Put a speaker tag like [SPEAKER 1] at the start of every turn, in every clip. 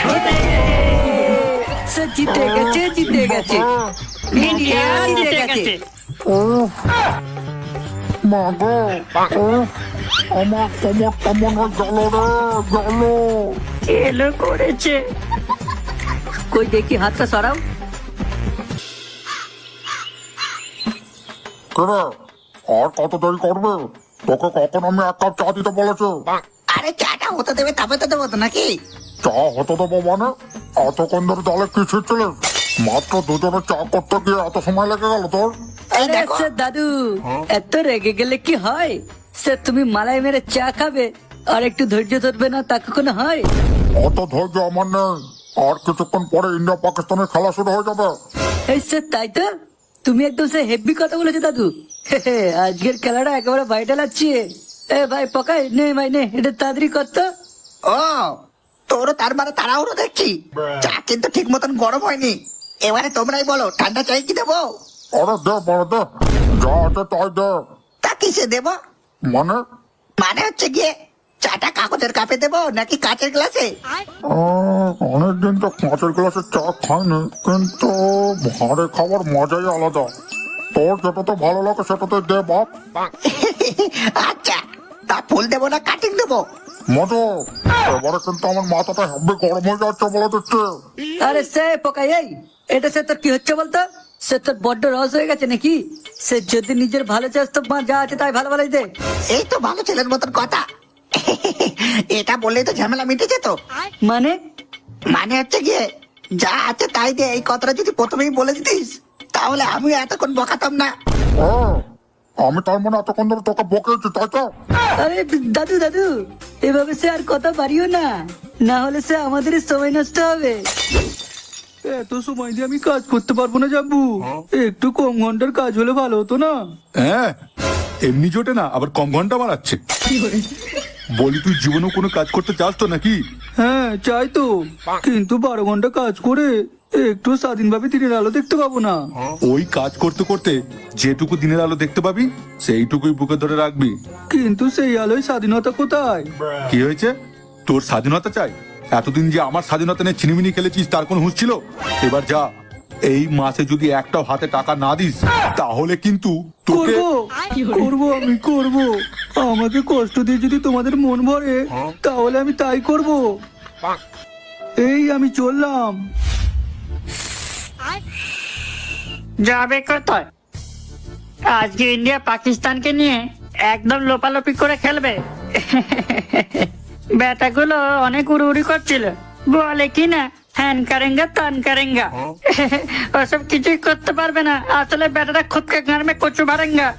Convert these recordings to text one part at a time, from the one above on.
[SPEAKER 1] সে জিতে গেছে, জিতে গেছে, ইন্ডিয়া জিতে গেছে।
[SPEAKER 2] মা গো, আমার কোমরটা মনে হয় গেল রে, গেল।
[SPEAKER 1] এলো করেছে। কই দেখি হাতটা সরাও।
[SPEAKER 2] কেরে, আর কত দেরি করবে? তোকে কখন আমি এক কাপ চা দিতে বলেছি?
[SPEAKER 3] আরে চাটা হতে দেবে তারপরে তো দেবো তো নাকি?
[SPEAKER 2] চা হতে দেবো মানে? এতক্ষণ ধরে তাহলে কি ছিটছিলেন? মাত্র দুজনে চা করতে গিয়ে এত সময় লেগে গেল তোর?
[SPEAKER 3] এই
[SPEAKER 1] আরে
[SPEAKER 3] দেখো
[SPEAKER 1] সে দাদু, এত রেগে গেলে কি হয়? সে তুমি মালাই মেরে চা খাবে আর একটু ধৈর্য ধরবে না, তা কখনো হয়?
[SPEAKER 2] অত ধৈর্য আমার নেই। আর কিছুক্ষণ পরে ইন্ডিয়া পাকিস্তানের খেলা শুরু হয়ে যাবে।
[SPEAKER 1] এই সে তাই তো, তুমি একদম সে হেভি কথা বলেছো দাদু। আজকের খেলাটা একেবারে ভাইটাল আছে। এ ভাই পকাই নে, ভাই নে, এটা তাড়াতাড়ি করতো।
[SPEAKER 3] ও তোরও তার মানে তাড়াহুড়ো দেখছি। চা কিন্তু ঠিক মতন গরম হয়নি। এবারে তোমরাই বলো ঠান্ডা চাই কি দেবো?
[SPEAKER 2] আরে দে বড় দে, যা আছে তাই দে।
[SPEAKER 3] তা কিসে দেবো?
[SPEAKER 2] মানে
[SPEAKER 3] মানে হচ্ছে গিয়ে চাটা কাগজের কাপে দেবো নাকি কাঁচের গ্লাসে?
[SPEAKER 2] অনেকদিন তো কাঁচের গ্লাসে চা খাইনি, কিন্তু ভাঁড়ে খাবার মজাই আলাদা। তোর যেটাতে ভালো লাগে সেটাতে দে বাপ।
[SPEAKER 3] আচ্ছা, তা ফুল দেবো না কাটিং দেবো?
[SPEAKER 2] মজা, এবারে কিন্তু আমার মাথাটা হেব্বি গরম হয়ে যাচ্ছে বলে দিচ্ছে।
[SPEAKER 1] আরে সে পকাই, এই এটা সে তোর কি হচ্ছে বলতো? সে তোর বড্ড রস হয়ে গেছে নাকি? সে যদি নিজের ভালো চাস তো মা যা আছে তাই ভালো ভালোই দে।
[SPEAKER 3] এই তো ভালো ছেলের মতন কথা। এটা বললেই তো ঝামেলা মিটে যেত।
[SPEAKER 1] মানে
[SPEAKER 3] মানে হচ্ছে গিয়ে যা আছে তাই দে, এই কথাটা যদি প্রথমেই বলে দিতিস তাহলে আমি এতক্ষণ বকাতাম না।
[SPEAKER 2] ও, আমি তার মানে এতক্ষণ ধরে তোকে বকেছি তাই তো?
[SPEAKER 1] আরে দাদু দাদু, এভাবে সে আর কথা বাড়িও না, না হলে সে আমাদের সময় নষ্ট হবে।
[SPEAKER 4] এত সময় দিয়ে আমি কাজ করতে পারবো না জাব্বু। একটু কম ঘন্টার কাজ হলে ভালো হতো না?
[SPEAKER 5] হ্যাঁ, এমনি জোটে না, আবার কম ঘন্টা বাড়াচ্ছে। বলি তুই জীবনেও কোনো কাজ করতে চাস তো নাকি?
[SPEAKER 4] হ্যাঁ চাই তো, কিন্তু 12 ঘন্টা কাজ করে একটু স্বাধীনভাবে দিনের আলো দেখতে পাবো না।
[SPEAKER 5] ওই কাজ করতে করতে যেটুকু দিনের আলো দেখতে পাবি সেইটুকুই বুকে ধরে রাখবি।
[SPEAKER 4] কিন্তু সেই আলোয় স্বাধীনতা কোথায়?
[SPEAKER 5] কি হয়েছে? তোর স্বাধীনতা চাই? এতদিন যে আমার স্বাধীনতা নিয়ে ছিনিমিনি খেলেছিস তার কোনো হুঁশ ছিল? এবার যা, এই মাসে যদি একটাও হাতে টাকা না দিস তাহলে কিন্তু তোকে
[SPEAKER 4] করবো আমি করবো। আমাকে কষ্ট দিয়ে যদি তোমাদের মন ভরে তাহলে আমি তাই করব। এই আমি চললাম।
[SPEAKER 6] যাবে কোথায়? আজকে ইন্ডিয়া পাকিস্তানকে নিয়ে একদম লোপালোপি করে খেলবে। ব্যাটাগুলো অনেক উড়ি করছিল, বলে কি না হ্যান কারেঙ্গা তান কারেঙ্গা। ওসব কিছুই করতে পারবে না, আসলে ব্যাটাটা খুদকে গাঁড় মে কচু মারেঙ্গা।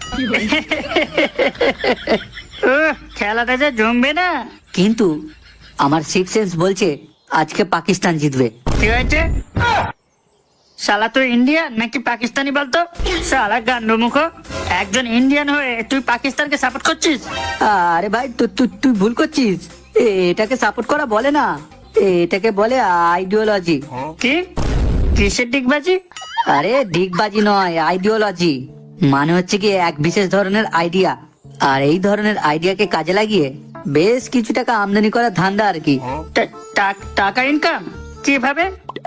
[SPEAKER 6] খেলাটা যে জমবে না।
[SPEAKER 1] কিন্তু আমার সিক্স সেন্স বলছে আজকে পাকিস্তান জিতবে।
[SPEAKER 6] কি হয়েছে? শালা তুই ইন্ডিয়ান নাকি পাকিস্তানি বলতো? শালা গান্ডু মুখ, একজন ইন্ডিয়ান হয়ে তুই পাকিস্তানকে সাপোর্ট করছিস?
[SPEAKER 1] আরে ভাই তুই ভুল করছিস। এটাকে সাপোর্ট করা বলে না, এটাকে বলে আইডিওলজি।
[SPEAKER 6] কি? কিসের ডিগবাজি?
[SPEAKER 1] আরে ডিগবাজি নয়, আইডিওলজি। মানে হচ্ছে কি এক বিশেষ ধরনের আইডিয়া, আর এই ধরনের আইডিয়াকে কাজে লাগিয়ে বেশ কিছু টাকা আমদানি করার ধান্দা আর কি।
[SPEAKER 6] টাকা ইনকাম কিভাবে?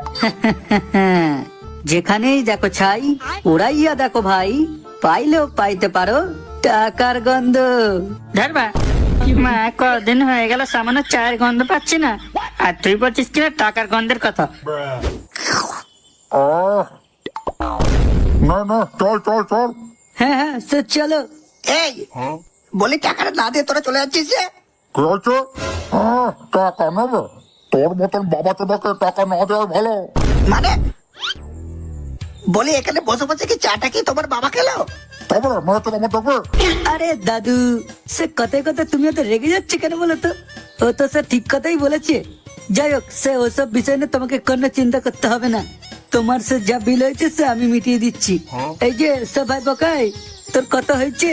[SPEAKER 1] যেখানেই দেখো ছাই, উড়াইয়া দেখো ভাই, পাইলেও পাইতে পারো টাকার গন্ধ।
[SPEAKER 6] ধরবা মা, কদিন হয়ে গেল সামান্য চায়ের গন্ধ পাচ্ছি না, আর তুই বলছিস কিনা টাকার গন্ধের কথা।
[SPEAKER 2] না না, চল চল চল।
[SPEAKER 1] হ্যাঁ হ্যাঁ সে চলো।
[SPEAKER 3] এই বলি টাকাটা না দিয়ে তোরা চলে যাচ্ছিস যে?
[SPEAKER 2] কি হয়েছে? টাকা নেবে? তোর মতন বাবা চোদাকে টাকা না দেওয়াই ভালো।
[SPEAKER 3] মানে বলি এখানে বসে বসে কি চাটা কি তোমার বাবা খেলো?
[SPEAKER 2] তবে মেয়ে তোর আমার দেখবে।
[SPEAKER 1] আরে দাদু, সে কথায় কথায় তুমি এত রেগে যাচ্ছে কেন বলো তো? ও তো সে ঠিক কথাই বলেছে। যাই হোক, সে ওসব বিষয় নিয়ে তোমাকে কোনো চিন্তা করতে হবে না। তোমার সে যা বিল হয়েছে সে আমি মিটিয়ে দিচ্ছি। এই যে সে ভাই বকাই, তোর কত হয়েছে?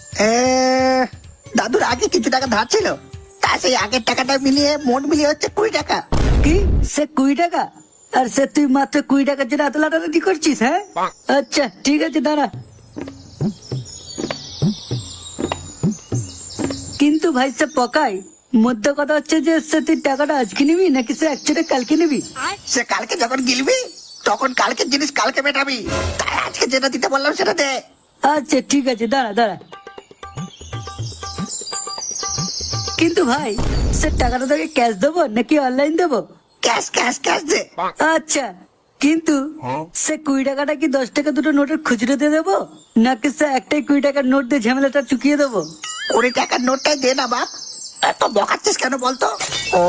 [SPEAKER 3] দাদুর আগে কিছু টাকা ধার ছিল, তা সেই আগের টাকাটা মিলিয়ে মোট মিলিয়ে হচ্ছে 20 টাকা।
[SPEAKER 1] কি সে 20 টাকা? আর সে তুই মাত্র 20 টাকার জন্য এত লাটালাটি করছিস? হ্যাঁ আচ্ছা ঠিক আছে, দাঁড়া। কিন্তু ভাই সে পকাই, মধ্য কথা হচ্ছে যে সে তুই টাকাটা আজকে নিবি নাকি সে অ্যাকচুয়ালি কালকে নিবি?
[SPEAKER 3] সে কালকে যখন গিলবি তখন কালকের জিনিস কালকে মেটাবি, তাই আজকে যেটা দিতে বললাম সেটা দে।
[SPEAKER 1] আচ্ছা ঠিক আছে, দাঁড়া দাঁড়া। কিন্তু ভাই সে টাকাটা তোকে ক্যাশ দেবো নাকি অনলাইন দেবো?
[SPEAKER 3] ক্যাশ ক্যাশ ক্যাশ দে।
[SPEAKER 1] আচ্ছা, কিন্তু সে 20 টাকাটা কি 10 টাকা দুটো নোটের খুচরো দিয়ে দেবো নাকি সে একটাই 20 টাকার নোট দিয়ে ঝামেলাটা চুকিয়ে দেবো?
[SPEAKER 3] 20 টাকার নোটটাই দে না বাপ, এত বকাচ্ছিস কেন বলতো?
[SPEAKER 2] ও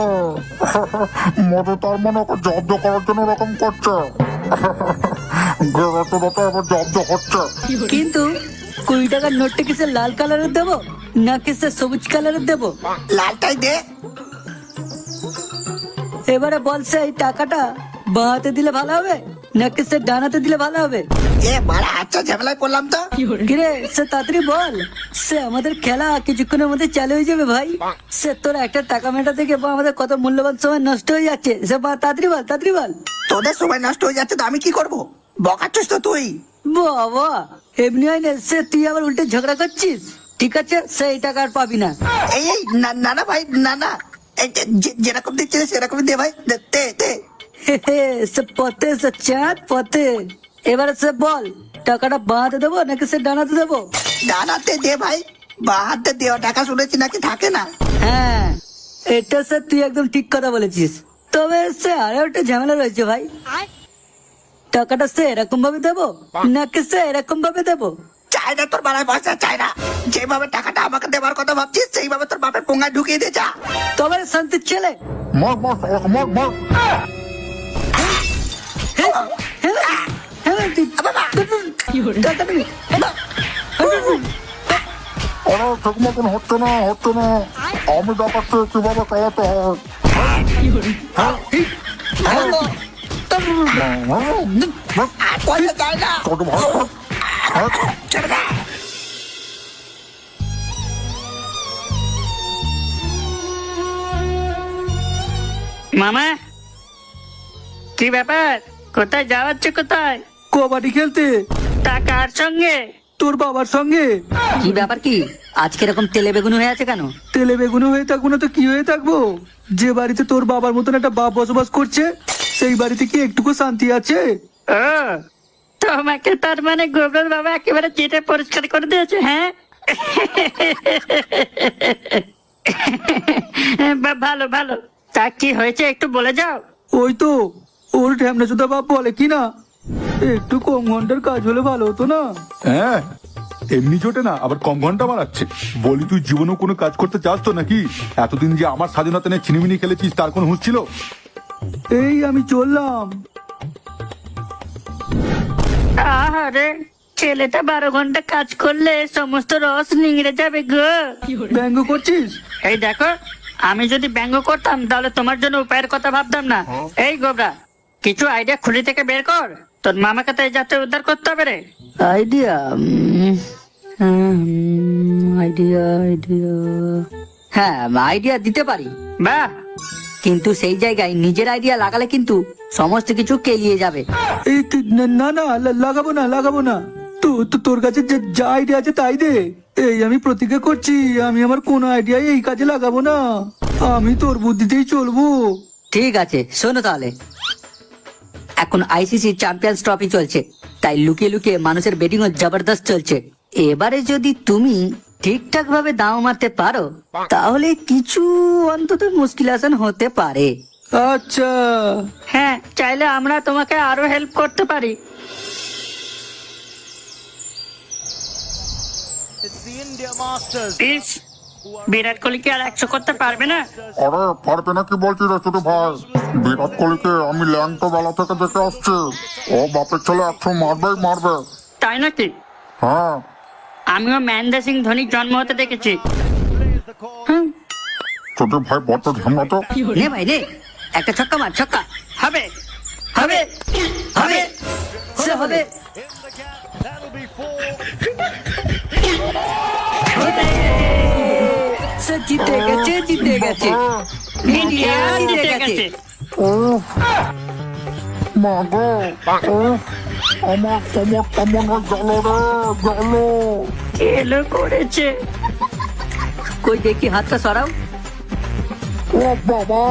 [SPEAKER 2] মধু তার মানে ওকে জব্দ করার জন্য ওরকম করছে। গেরাতে রাতে এবার জব্দ হচ্ছে।
[SPEAKER 1] কিন্তু 20 টাকার নোটটা কি সে লাল কালারের দেবো নাকি সে সবুজ কালারের দেবো?
[SPEAKER 3] লালটাই দে।
[SPEAKER 1] এবারে বল সে এই টাকাটা বাঁ হাতে দিলে ভালো হবে নাকি সে ডান হাতে দিলে ভালো হবে?
[SPEAKER 3] এ বাড়া, আচ্ছা ঝামেলায় পড়লাম তো।
[SPEAKER 1] কিরে সে তাড়াতাড়ি বল, সে আমাদের খেলা কিছুক্ষণের মধ্যে চালু হয়ে যাবে ভাই। সে তোর একটা টাকা মেটা থেকে বা আমাদের কত মূল্যবান সময় নষ্ট হয়ে যাচ্ছে, সে তাড়াতাড়ি বল তাড়াতাড়ি বল।
[SPEAKER 3] তোদের সময় নষ্ট হয়ে যাচ্ছে তো আমি কি করব? বকাচ্ছিস তো তুই।
[SPEAKER 1] বাবা এমনি হয় না, সে তুই আবার উল্টে ঝগড়া করছিস। ঠিক আছে, সে এই টাকা আর পাবি না।
[SPEAKER 3] এই এই না না না ভাই, না না, এই যেরকম দিচ্ছিস সেরকমই দে ভাই, দে দে দে।
[SPEAKER 1] সে পথে সে চাঁদ পথে। এবারে সে বল টাকাটা বাঁ হাতে দেবো নাকি সে ডান হাতে দেবো?
[SPEAKER 3] ডানাতে দে ভাই, বাঁ হাতে দেওয়া টাকা শুনেছি নাকি থাকে না।
[SPEAKER 1] হ্যাঁ, এটা সে তুই একদম ঠিক কথা বলেছিস। তবে সে আরো একটা ঝামেলা রয়েছে ভাই। টাকাটা সে এরকম ভাবে দেবো নাকি সে এরকম ভাবে দেবো?
[SPEAKER 3] চাই না তোর বাড়ায় পয়সা, চাই না। যেভাবে টাকাটা আমাকে দেবার কথা ভাবছিস সেইভাবে তোর বাপের পোঙ্গায় ঢুকিয়ে দে যা।
[SPEAKER 1] তবে শান্তির ছেলে।
[SPEAKER 2] মার মার শালাকে, মার মার।
[SPEAKER 1] টাকা দিবি?
[SPEAKER 2] আরে ঠিক মতন হচ্ছে না, হচ্ছে না। আমি দেখাচ্ছি কিভাবে চালাতে হয়।
[SPEAKER 3] আর পয়সা চাই না।
[SPEAKER 2] ছোট ভাই,
[SPEAKER 3] ছেড়ে দে।
[SPEAKER 6] মামা, কি ব্যাপার? কোথায় যাওয়াচ্ছে? কোথায়?
[SPEAKER 4] কবাডি খেলতে।
[SPEAKER 6] তা কার সঙ্গে?
[SPEAKER 4] তোর বাবার সঙ্গে।
[SPEAKER 1] কি ব্যাপার কি আজকে এরকম তেলে বেগুন হয়ে আছে কেন?
[SPEAKER 4] তেলে বেগুনে হয়ে থাকবো না তো কি হয়ে থাকবো? যে বাড়িতে তোর বাবার মতন একটা বাপ বসবাস করছে সেই বাড়িতে কি একটুকু শান্তি আছে?
[SPEAKER 6] ও, তোমাকে তার মানে গোবর বাবা একেবারে চেটে পরিষ্কার করে দিয়েছে, হ্যাঁ? ভালো ভালো। তা কি হয়েছে একটু বলে যাও।
[SPEAKER 4] ওই তো ওর ঢ্যামনা চোদা বাপ বলে কি না, একটু কম ঘন্টার কাজ হলে ভালো হতো না?
[SPEAKER 5] হ্যাঁ, এমনি জোটে না, আবার কম ঘন্টা মারাচ্ছে। বলি তুই জীবনেও কোনো কাজ করতে চাস তো নাকি? এতদিন যে আমার স্বাধীনতা নিয়ে ছিনিমিনি খেলেছিস তার কোনো হুঁশ ছিল?
[SPEAKER 4] এই আমি চললাম।
[SPEAKER 6] আহারে, ছেলেটা 12 ঘন্টা কাজ করলে সমস্ত রস নিংড়ে যাবে গো।
[SPEAKER 4] ব্যঙ্গ করছিস?
[SPEAKER 6] এই দেখো, আমি যদি ব্যঙ্গ করতাম তাহলে তোমার জন্য উপায়ের কথা ভাবতাম না। এই গোবরা, কিছু আইডিয়া খুলি থেকে বের কর, তোর মামাকে তো এই যাত্রা উদ্ধার করতে হবে রে।
[SPEAKER 1] আইডিয়া আইডিয়া আইডিয়া হ্যাঁ, আইডিয়া দিতে পারি,
[SPEAKER 6] বাহ,
[SPEAKER 1] কিন্তু সেই জায়গায় নিজের আইডিয়া লাগালে কিন্তু সমস্ত কিছু কেলিয়ে যাবে।
[SPEAKER 4] এই না না লাগাবো না লাগাবো না। তোর কাছে যা আইডিয়া আছে তাই দে। এই আমি প্রতিজ্ঞা করছি আমি আমার কোন আইডিয়া এই কাজে লাগাবো না, আমি তোর বুদ্ধিতেই চলবো।
[SPEAKER 1] ঠিক আছে, শোনো তাহলে। এখন আইসিসি চ্যাম্পিয়ন্স ট্রফি চলছে, তাই লুকিয়ে লুকিয়ে মানুষের বেটিং ও জবরদস্ত চলছে। এবারে যদি তুমি ঠিকঠাক ভাবে দাও মারতে পারো তাহলে কিছু অন্তত মুশকিল আসান হতে পারে।
[SPEAKER 4] আচ্ছা,
[SPEAKER 6] হ্যাঁ, চাইলে আমরা তোমাকে আরো হেল্প করতে পারি। ইস, বিরাট কোহলি কি আর 100 করতে পারবে না?
[SPEAKER 2] আরে পারবে না কি বলছি রে ছোট ভাই? বিরাট কোহলিকে আমি ল্যাংটো বেলা থেকে দেখে আসছি, ও বাপের ছেলে 100 মারবেই মারবে।
[SPEAKER 6] তাই নাকি?
[SPEAKER 2] হ্যাঁ,
[SPEAKER 6] আমিও মহেন্দ্র সিং ধোনির জন্ম হতে দেখেছি।
[SPEAKER 2] ছোট ভাই বড্ড ঝামলা তো।
[SPEAKER 1] নে ভাই নে, একটা ছক্কা মার, ছক্কা
[SPEAKER 6] হবে
[SPEAKER 1] হবে হবে, সে হবে। সে জিতে গেছে, জিতে গেছে, ইন্ডিয়া জিতে গেছে।
[SPEAKER 2] ও মা গো, ও আমার কোমরটা মনে গেল রে, গেল।
[SPEAKER 6] এলো করেছে।
[SPEAKER 1] কই দেখি হাতটা সরাও।
[SPEAKER 2] ও বাবা,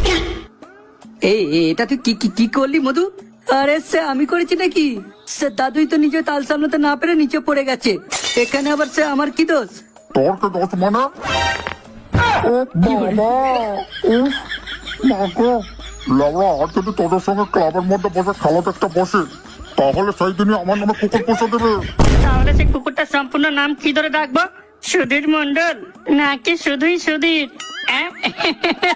[SPEAKER 1] এটা তুই কি কি কি করলি মধু? আরে সে আমি করেছি নাকি? সে দাদুই তো নিজে তাল সামলাতে না পেরে নিচে পড়ে গেছে, এখানে আবার সে আমার কি দোষ?
[SPEAKER 2] তোর কে দোষ মানে? ও বাবা, উফ, মাগো। লাউড়া, আর যদি তোদের সঙ্গে ক্লাবের মধ্যে বসে খেলা দেখতে বসে, তাহলে সেই দিনই আমার নামে কুকুর পুষে দেবে।
[SPEAKER 6] তাহলে সেই কুকুরটার সম্পূর্ণ নাম কি ধরে ডাকবো? সুধীর মন্ডল নাকি শুধুই সুধীর?